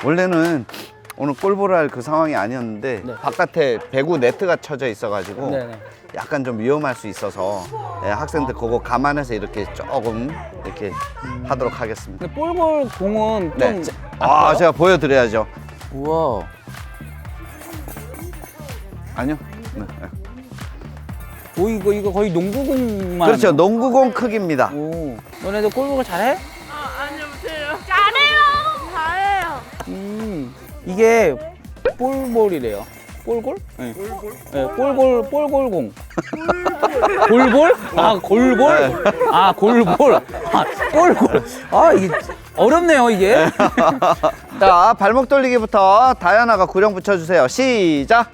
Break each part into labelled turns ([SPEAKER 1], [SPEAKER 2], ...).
[SPEAKER 1] 원래는 오늘 골보를 할 그 상황이 아니었는데
[SPEAKER 2] 네.
[SPEAKER 1] 바깥에 배구 네트가 쳐져 있어가지고
[SPEAKER 2] 네네.
[SPEAKER 1] 약간 좀 위험할 수 있어서 예, 학생들 그거 감안해서 이렇게 조금 이렇게 하도록 하겠습니다.
[SPEAKER 2] 근데 볼볼 공은 좀.
[SPEAKER 1] 네. 제가 보여드려야죠.
[SPEAKER 2] 우와.
[SPEAKER 1] 아니요. 네.
[SPEAKER 2] 오, 이거 거의 농구공만.
[SPEAKER 1] 그렇죠.
[SPEAKER 2] 하네요.
[SPEAKER 1] 농구공 크기입니다.
[SPEAKER 2] 오. 너네들 골볼 잘해?
[SPEAKER 3] 아니요, 못해요. 잘해요.
[SPEAKER 2] 이게 볼볼이래요. 볼골? 네. 네, 볼골공. 골볼? 아, 골볼? 아, 골볼. 아, 볼골. 아, 이게 어렵네요, 이게.
[SPEAKER 1] 자, 발목 돌리기부터 다현아가 구령 붙여주세요. 시작.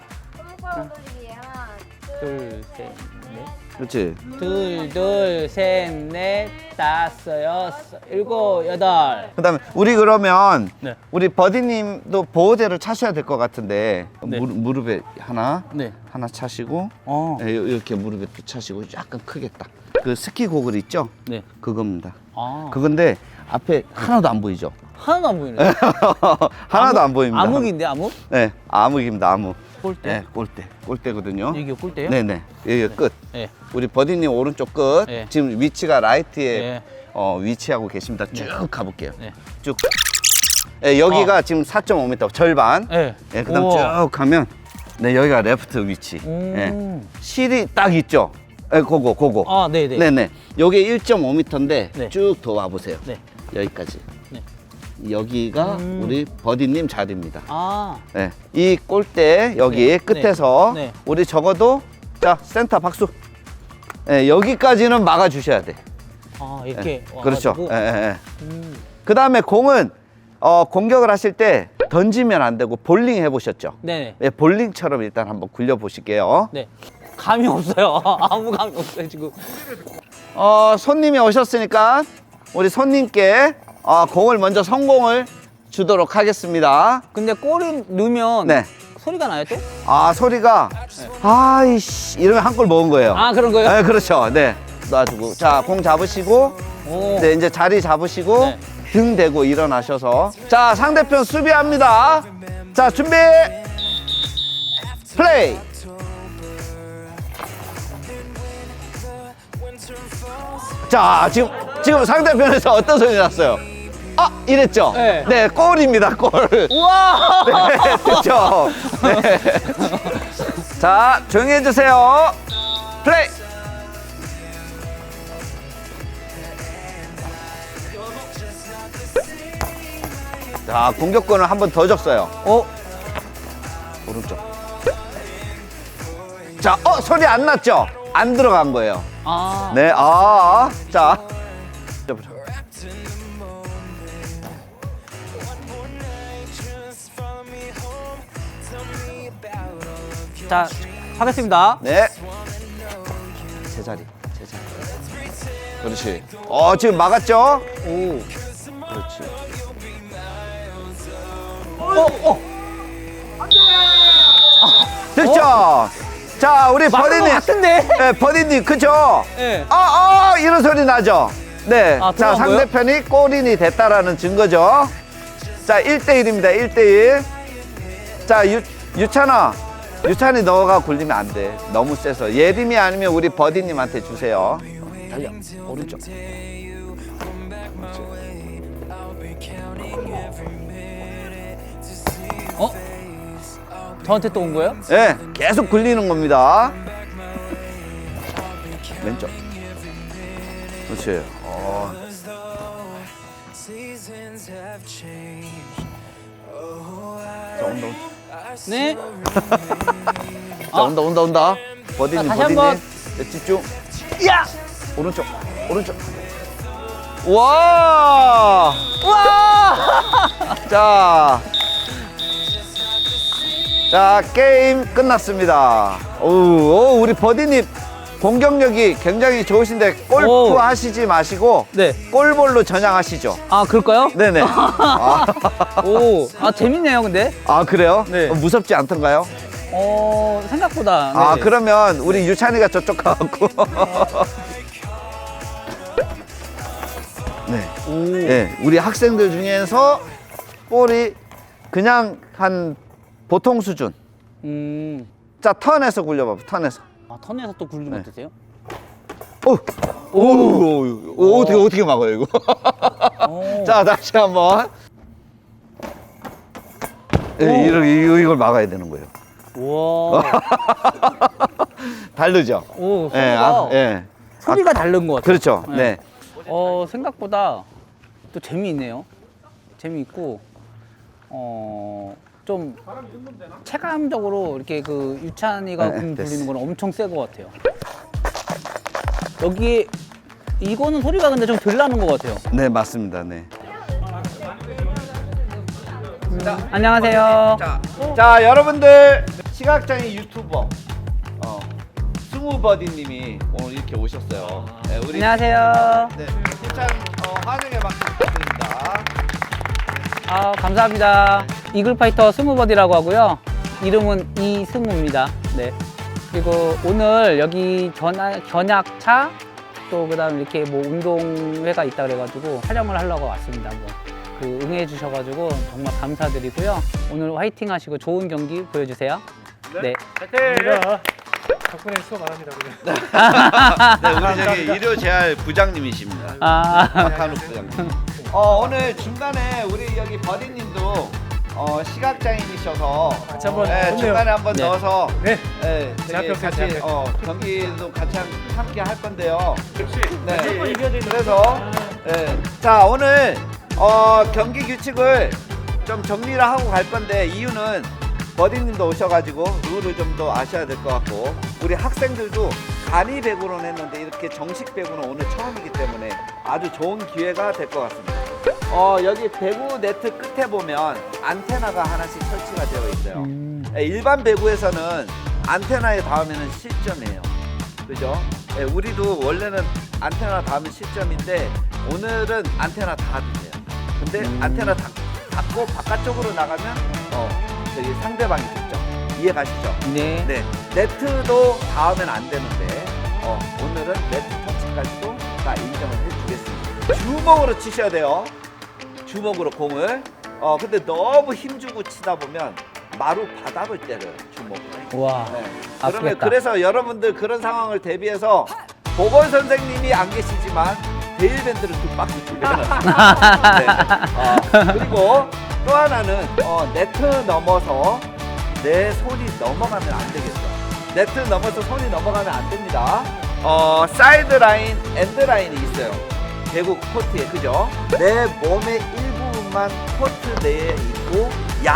[SPEAKER 2] 둘, 셋, 넷.
[SPEAKER 1] 그렇지.
[SPEAKER 2] 둘, 셋, 넷, 다섯, 여섯, 일곱, 여덟.
[SPEAKER 1] 그다음에 우리 그러면
[SPEAKER 2] 네.
[SPEAKER 1] 우리 버디님도 보호대를 차셔야 될 것 같은데
[SPEAKER 2] 네.
[SPEAKER 1] 무릎에 하나
[SPEAKER 2] 네.
[SPEAKER 1] 차시고
[SPEAKER 2] 어.
[SPEAKER 1] 네, 이렇게 무릎에 또 차시고 약간 크겠다. 그 스키 고글 있죠?
[SPEAKER 2] 네.
[SPEAKER 1] 그겁니다.
[SPEAKER 2] 아.
[SPEAKER 1] 그건데 앞에 하나도 안 보이죠?
[SPEAKER 2] 하나도 안 보이네.
[SPEAKER 1] 하나도 안 보입니다.
[SPEAKER 2] 암흑인데, 암흑?
[SPEAKER 1] 네, 암흑입니다. 암흑.
[SPEAKER 2] 골대?
[SPEAKER 1] 네, 골대거든요.
[SPEAKER 2] 이게 골대요?
[SPEAKER 1] 네네. 여기 끝.
[SPEAKER 2] 네.
[SPEAKER 1] 우리 버디님 오른쪽 끝.
[SPEAKER 2] 네.
[SPEAKER 1] 지금 위치가 라이트에
[SPEAKER 2] 네.
[SPEAKER 1] 위치하고 계십니다. 쭉 가볼게요.
[SPEAKER 2] 네.
[SPEAKER 1] 쭉. 네, 여기가 지금 4.5m 절반.
[SPEAKER 2] 네.
[SPEAKER 1] 네, 그다음
[SPEAKER 2] 우와.
[SPEAKER 1] 쭉 가면 네, 여기가 레프트 위치.
[SPEAKER 2] 오.
[SPEAKER 1] 네. 실이 딱 있죠. 네, 그거.
[SPEAKER 2] 아, 네네.
[SPEAKER 1] 네네. 여기 1.5m인데
[SPEAKER 2] 네.
[SPEAKER 1] 쭉 더 와보세요.
[SPEAKER 2] 네.
[SPEAKER 1] 여기까지.
[SPEAKER 2] 네.
[SPEAKER 1] 여기가 우리 버디님 자리입니다.
[SPEAKER 2] 아.
[SPEAKER 1] 네. 이 골대 여기
[SPEAKER 2] 네.
[SPEAKER 1] 끝에서
[SPEAKER 2] 네.
[SPEAKER 1] 우리 적어도 자 센터 박수. 네, 여기까지는 막아 주셔야 돼.
[SPEAKER 2] 아, 이렇게.
[SPEAKER 1] 그렇죠.
[SPEAKER 2] 와가지고.
[SPEAKER 1] 그 다음에 공은 공격을 하실 때 던지면 안 되고 볼링 해보셨죠?
[SPEAKER 2] 네네.
[SPEAKER 1] 네, 볼링처럼 일단 한번 굴려 보실게요.
[SPEAKER 2] 네. 감이 없어요. 아무 감이 없어요, 지금.
[SPEAKER 1] 손님이 오셨으니까 우리 손님께 공을 먼저 성공을 주도록 하겠습니다.
[SPEAKER 2] 근데 골이 넣으면
[SPEAKER 1] 네.
[SPEAKER 2] 소리가 나요, 또?
[SPEAKER 1] 소리가 아이씨 이러면 한 골 먹은 거예요.
[SPEAKER 2] 아, 그런 거예요?
[SPEAKER 1] 네, 그렇죠. 네. 놔주고 자, 공 잡으시고
[SPEAKER 2] 오.
[SPEAKER 1] 네, 이제 자리 잡으시고
[SPEAKER 2] 네.
[SPEAKER 1] 등 대고 일어나셔서 자, 상대편 수비합니다. 자, 준비 플레이. 자, 지금 상대편에서 어떤 소리 났어요? 이랬죠?
[SPEAKER 2] 네.
[SPEAKER 1] 네, 골입니다, 골.
[SPEAKER 2] 우와!
[SPEAKER 1] 네, 됐죠? 네. 자, 조용히 해주세요. 플레이. 자, 공격권을 한 번 더 줬어요. 오른쪽. 자, 소리 안 났죠? 안 들어간 거예요.
[SPEAKER 2] 아.
[SPEAKER 1] 네, 자.
[SPEAKER 2] 자, 하겠습니다.
[SPEAKER 1] 네. 제자리. 그렇지. 지금 막았죠?
[SPEAKER 2] 오.
[SPEAKER 1] 그렇지. 됐죠? 자, 우리
[SPEAKER 2] 맞는 것
[SPEAKER 1] 버디님.
[SPEAKER 2] 같은데?
[SPEAKER 1] 네, 버디님, 그죠?
[SPEAKER 2] 네.
[SPEAKER 1] 이런 소리 나죠? 네. 자,
[SPEAKER 2] 들어간 거예요?
[SPEAKER 1] 상대편이 골인이 됐다라는 증거죠. 자, 1대1입니다. 1대1. 자, 유찬이 너가 굴리면 안 돼. 너무 세서. 예림이 아니면 우리 버디님한테 주세요. 달려. 오른쪽.
[SPEAKER 2] 저한테 또 온 거예요?
[SPEAKER 1] 네, 계속 굴리는 겁니다. 왼쪽. 그렇지. 자, 온다.
[SPEAKER 2] 네.
[SPEAKER 1] 자, 온다. 버디님,
[SPEAKER 2] 다시 한번.
[SPEAKER 1] 네, 집중. 야! 오른쪽. 와! 자, 게임 끝났습니다. 우리 버디님 공격력이 굉장히 좋으신데 골프
[SPEAKER 2] 오.
[SPEAKER 1] 하시지 마시고
[SPEAKER 2] 네.
[SPEAKER 1] 골볼로 전향하시죠.
[SPEAKER 2] 그럴까요?
[SPEAKER 1] 네네.
[SPEAKER 2] 오. 재밌네요, 근데.
[SPEAKER 1] 그래요?
[SPEAKER 2] 네.
[SPEAKER 1] 무섭지 않던가요?
[SPEAKER 2] 생각보다. 네.
[SPEAKER 1] 그러면 우리 유찬이가 저쪽 가갖고. 네.
[SPEAKER 2] 오.
[SPEAKER 1] 네. 우리 학생들 중에서 볼이 그냥 한 보통 수준. 자, 턴에서 굴려봐. 턴에서.
[SPEAKER 2] 아, 턴에서 또 굴리면
[SPEAKER 1] 네.
[SPEAKER 2] 어떠세요?
[SPEAKER 1] 오, 어떻게 막아요 이거?
[SPEAKER 2] 오.
[SPEAKER 1] 자, 다시 한번. 예, 이걸 막아야 되는 거예요.
[SPEAKER 2] 우와.
[SPEAKER 1] 다르죠?
[SPEAKER 2] 오,
[SPEAKER 1] 예,
[SPEAKER 2] 소리가,
[SPEAKER 1] 예.
[SPEAKER 2] 소리가 다른 것 같아요.
[SPEAKER 1] 그렇죠. 네.
[SPEAKER 2] 생각보다 또 재미있네요. 재미있고, 좀 체감적으로 이렇게 그 유찬이가
[SPEAKER 1] 네,
[SPEAKER 2] 공
[SPEAKER 1] 됐어.
[SPEAKER 2] 돌리는 건 엄청 세 것 같아요. 여기 이거는 소리가 근데 좀 덜 나는 것 같아요.
[SPEAKER 1] 네, 맞습니다. 네.
[SPEAKER 2] 안녕하세요.
[SPEAKER 1] 자, 여러분들 시각장애 유튜버 스무버디님이 오늘 이렇게 오셨어요. 네, 우리
[SPEAKER 2] 안녕하세요.
[SPEAKER 1] 네, 일단 환영의 박수 부탁드립니다.
[SPEAKER 2] 아, 감사합니다. 이글파이터 스무버디라고 하고요. 이름은 이스무입니다. 네. 그리고 오늘 여기 견약차 또 그다음 이렇게 뭐 운동회가 있다 그래가지고 촬영을 하려고 왔습니다. 한번 그 응해 주셔가지고 정말 감사드리고요. 오늘 화이팅 하시고 좋은 경기 보여주세요. 네.
[SPEAKER 4] 덕분에 수고 많습니다.
[SPEAKER 1] 네, 우리 저기 일요 재활 부장님이십니다.
[SPEAKER 2] 아,
[SPEAKER 1] 박한욱 부장님. 오늘 중간에 우리 여기 버디님도 시각장애이셔서
[SPEAKER 4] 같이 한번
[SPEAKER 1] 네,
[SPEAKER 4] 좋네요.
[SPEAKER 1] 중간에 한번
[SPEAKER 2] 네.
[SPEAKER 1] 넣어서
[SPEAKER 4] 네.
[SPEAKER 1] 네,
[SPEAKER 4] 제
[SPEAKER 1] 저기
[SPEAKER 4] 앞에
[SPEAKER 1] 같이
[SPEAKER 4] 없어요, 제 앞에.
[SPEAKER 1] 경기도 같이 함께 할 건데요.
[SPEAKER 4] 역시
[SPEAKER 1] 네.
[SPEAKER 4] 무조건 이겨야 되는
[SPEAKER 1] 그래서 네. 자, 오늘 경기 규칙을 좀 정리를 하고 갈 건데 이유는 버디님도 오셔가지고 룰을 좀 더 아셔야 될 것 같고 우리 학생들도 간이 배구로는 했는데 이렇게 정식 배구는 오늘 처음이기 때문에 아주 좋은 기회가 될 것 같습니다. 여기 배구 네트 끝에 보면 안테나가 하나씩 설치가 되어 있어요. 일반 배구에서는 안테나에 닿으면 실점이에요. 그죠? 예, 우리도 원래는 안테나 닿으면 실점인데 오늘은 안테나 닿아도 돼요. 근데 안테나 닿고 바깥쪽으로 나가면 저기 상대방이 득점. 이해 가시죠?
[SPEAKER 2] 네.
[SPEAKER 1] 네. 네트도 닿으면 안 되는데 오늘은 네트 터치까지도 다 인정을 해주겠습니다. 주먹으로 치셔야 돼요. 주먹으로 공을. 근데 너무 힘주고 치다 보면 마루 바닥을 때려요. 주먹으로.
[SPEAKER 2] 와.
[SPEAKER 1] 네. 그러면
[SPEAKER 2] 아프겠다.
[SPEAKER 1] 그래서 여러분들 그런 상황을 대비해서 보건 선생님이 안 계시지만 데일밴드를 2박스 준비해놨습니다. 네. 그리고 또 하나는 네트 넘어서 내 손이 넘어가면 안 되겠죠. 네트 넘어서 손이 넘어가면 안 됩니다. 사이드 라인, 엔드 라인이 있어요. 배구 코트에, 그죠? 내 몸의 일부분만 코트 내에 있고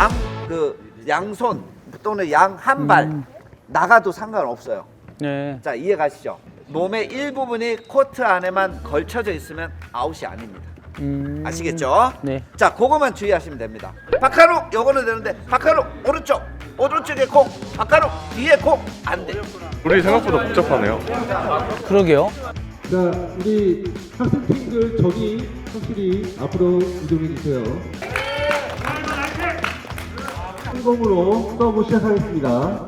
[SPEAKER 1] 양손 또는 양 한 발 나가도 상관없어요.
[SPEAKER 2] 네.
[SPEAKER 1] 자, 이해 가시죠? 몸의 일부분이 코트 안에만 걸쳐져 있으면 아웃이 아닙니다. 아시겠죠?
[SPEAKER 2] 네.
[SPEAKER 1] 자, 그거만 주의하시면 됩니다. 박한욱 요거는 되는데 박한욱 오른쪽에 공, 박한욱 뒤에 공 안 돼.
[SPEAKER 4] 우리 생각보다 복잡하네요.
[SPEAKER 2] 그러게요.
[SPEAKER 5] 자, 우리 학생팀들 저기 확실히 앞으로 이동해 주세요. 성공으로 서브 시작하겠습니다.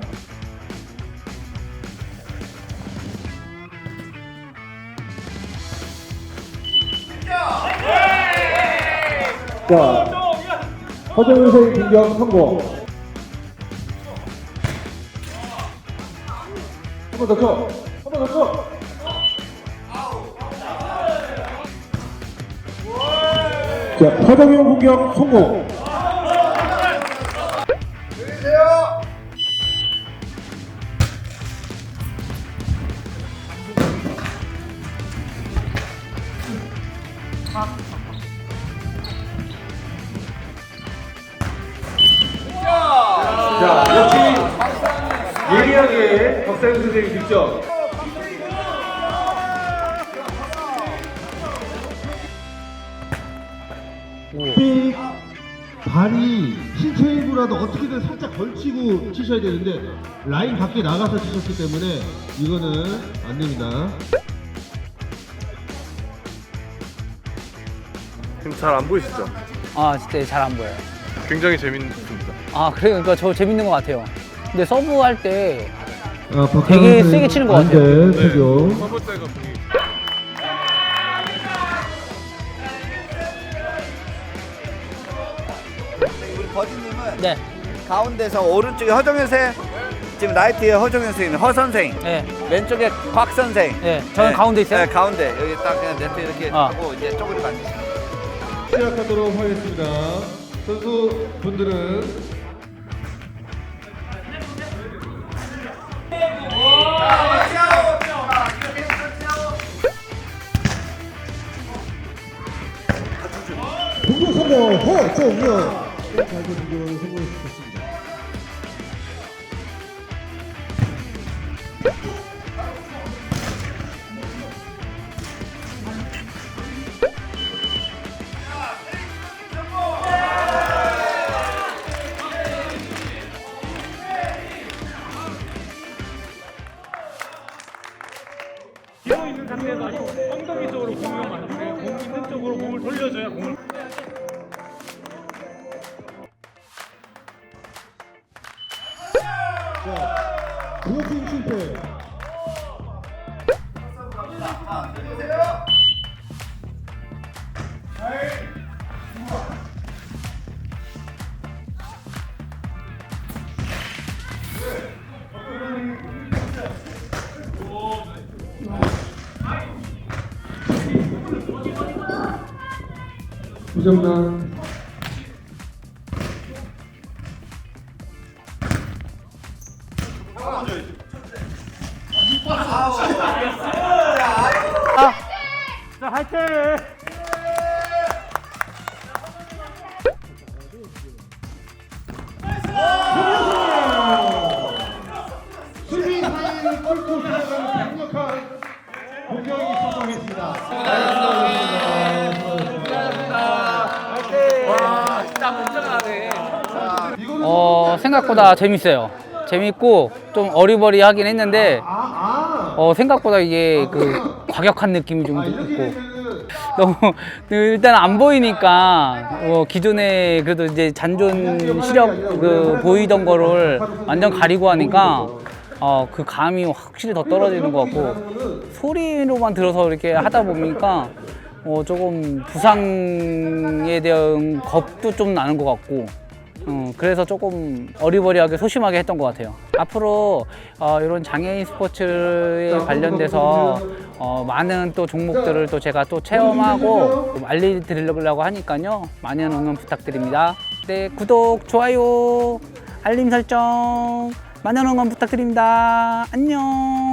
[SPEAKER 5] 자, 허정은 선생 공격 성공. 한 번 더 쳐. 한 번 더 쳐. 자, 허정은 공격 성공. 자, 역시 예리하게 박사님 선생님 득점. 삑 발이 신체 일부라도 어떻게든 살짝 걸치고 치셔야 되는데 라인 밖에 나가서 치셨기 때문에 이거는 안 됩니다.
[SPEAKER 4] 지금 잘 안 보이시죠?
[SPEAKER 2] 아, 진짜 잘 안 보여요.
[SPEAKER 4] 굉장히 재밌습니다.
[SPEAKER 2] 아, 그러니까 저 재밌는 것 같아요. 근데 서브 할 때
[SPEAKER 5] 박하나
[SPEAKER 2] 되게
[SPEAKER 5] 선생님
[SPEAKER 2] 세게 치는 것 같아요.
[SPEAKER 5] 안 돼, 태교.
[SPEAKER 4] 서브 때가 분위기.
[SPEAKER 1] 버디님은
[SPEAKER 2] 네.
[SPEAKER 1] 가운데서 오른쪽에 허정현 선, 지금 라이트에 허정현 선생님, 허 선생,
[SPEAKER 2] 네.
[SPEAKER 1] 왼쪽에 곽 선생.
[SPEAKER 2] 네. 저는 가운데 있어요?
[SPEAKER 1] 네, 가운데 여기 딱 그냥 네트 이렇게
[SPEAKER 2] 아.
[SPEAKER 1] 하고 이제 쪼그리고 앉으시면 돼요.
[SPEAKER 5] 시작하도록 하겠습니다. 선수 분들은 공격 성공 허정현 발표 공격을 성공시켰습니다.
[SPEAKER 6] 기어 있는 상태에서 엉덩이 쪽으로 공을 맞는데 공 있는 쪽으로 공을 돌려줘야 공을
[SPEAKER 5] 블로킹 실패. 부정단
[SPEAKER 6] 자 화이팅!
[SPEAKER 5] 수비 사이를 뚫고 들어가는 강력한 공격이 성공했습니다.
[SPEAKER 2] 생각보다 재밌어요. 재밌고 좀 어리버리하긴 했는데 생각보다 이게 그 과격한 느낌이 좀
[SPEAKER 5] 이렇게
[SPEAKER 2] 있고
[SPEAKER 5] 되면은
[SPEAKER 2] 너무 일단 안 보이니까 기존에 그래도 이제 잔존 시력 그 보이던 거를 완전 가리고 하니까 그 감이 확실히 더 떨어지는 것 같고 소리로만 들어서 이렇게 하다 보니까 조금 부상에 대한 겁도 좀 나는 것 같고 그래서 조금 어리버리하게 소심하게 했던 것 같아요. 앞으로 이런 장애인 스포츠에 관련돼서 많은 또 종목들을 또 제가 또 체험하고 좀 알려드리려고 하니까요. 많은 응원 부탁드립니다. 네, 구독, 좋아요, 알림 설정 많은 응원 부탁드립니다. 안녕.